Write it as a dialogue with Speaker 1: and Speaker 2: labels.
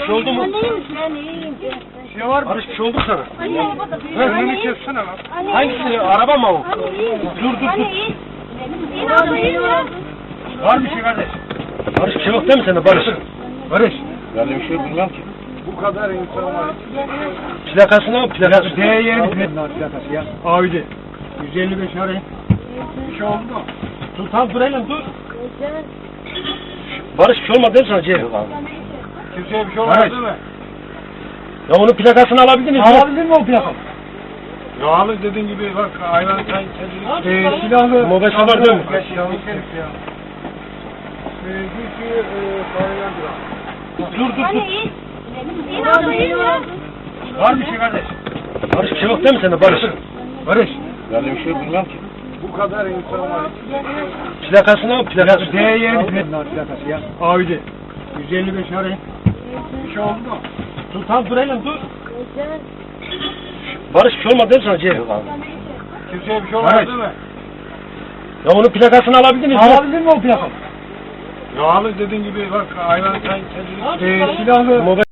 Speaker 1: şey oldu mu?
Speaker 2: Ben iyiyim.
Speaker 1: Bir şey var mı? Barış bir şey oldu mu sana?
Speaker 2: Önünü
Speaker 1: kessene lan. Hangisi? Araba mı o? Dur. Var bir şey kardeş. Barış bir şey yok değil mi sende Barış? Barış. Ben de bir şey bilmem ki. Bu kadar insan var. Plakasını al plakası. D20 plakası ya. Audi. 155 arayın. Bir şey oldu mu? Dur tamam dur elim dur. Barış bir şey olmadı değil mi sana Ceyhun? Kimseye bir şey olmadı değil mi? Ya onun plakasını alabilir miyiz? Alabilir mi o plakayı? Ya alır dediğin gibi bak hayvan sen kendini... silahlı... Mobese var değil mi? Silahlı ya. Dur. Var bir şey kardeş. Barış bir şey yok değil mi sende Barış? Barış. Ben de bir şey bilmem ki. Bu kadar insan var. Plakasını al plakası. D20 plakası ya. Audi. 155 arayın. Bir şey oldu mu? Dur tamam dur elim dur. Barış bir şey olmadı değil mi sana Ceyhun? Kimseye bir şey olmadı değil mi? Ya onun plakasını alabilir miyiz? Alabilir mi o plakayı? Ya alır dediğin gibi bak hayvan sen kendini... silahlı...